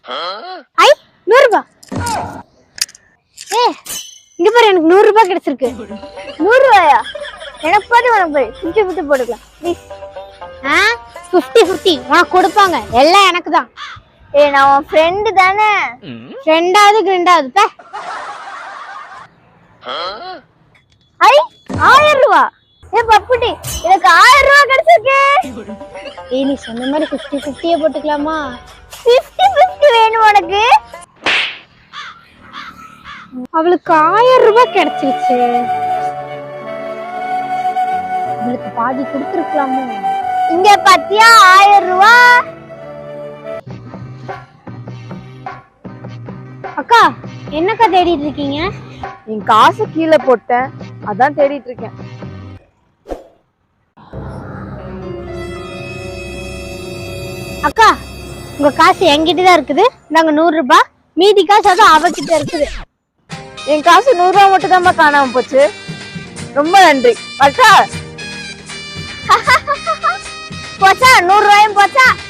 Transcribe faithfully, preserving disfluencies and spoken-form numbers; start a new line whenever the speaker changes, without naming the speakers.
ஐ நூறு ரூபாய். ஏ இங்க பாரு, எனக்கு நூறு ரூபாய் கிடைச்சிருக்கு.
நூறு ரூபாயா? எனக்கு பாரு, உனக்கு பாரு, பிப்டி பிப்டி போட்டுக்கலாம் ப்ளீஸ்.
ஆ பிப்டி பிப்டி உனக்கு கொடுப்பாங்க, எல்லாம் எனக்கு தான்.
ஏ நான் உன் ஃப்ரெண்டு தானே.
ரெண்டாவது ரெண்டாவது பே.
ஐ ஆயிரம் ரூபா. ஏ பப்புட்டி, எனக்கு ஆயிரம் ரூபாய் கிடைச்சிருக்கு.
ஏய் நீ சொன்ன மாதிரி பிப்டி பிப்டியே போட்டுக்கலாமா?
பிப்டி பிப்டி வேணும் உனக்கு?
அவளுக்கு ஆயிரம் ரூபாய் கிடைச்சிருச்சு, அவளுக்கு பாதி கொடுத்துருக்கலாமோ?
இங்க பாத்தியா ஆயிரம் ரூபாய்.
அக்கா என்னக்கா தேடிட்டு இருக்கீங்க?
என் காசு கீழே போட்டேன், அதான் தேடிட்டு இருக்கேன்.
அக்கா உங்க காசு என்கிட்ட தான் இருக்குது, நாங்க நூறு ரூபாய், மீதி காசு அது அவகிட்ட இருக்குது.
என் காசு நூறு ரூபா மட்டும் தான் காணாம போச்சு. ரொம்ப நன்றி.
போச்சா நூறு ரூபாயும் போச்சா.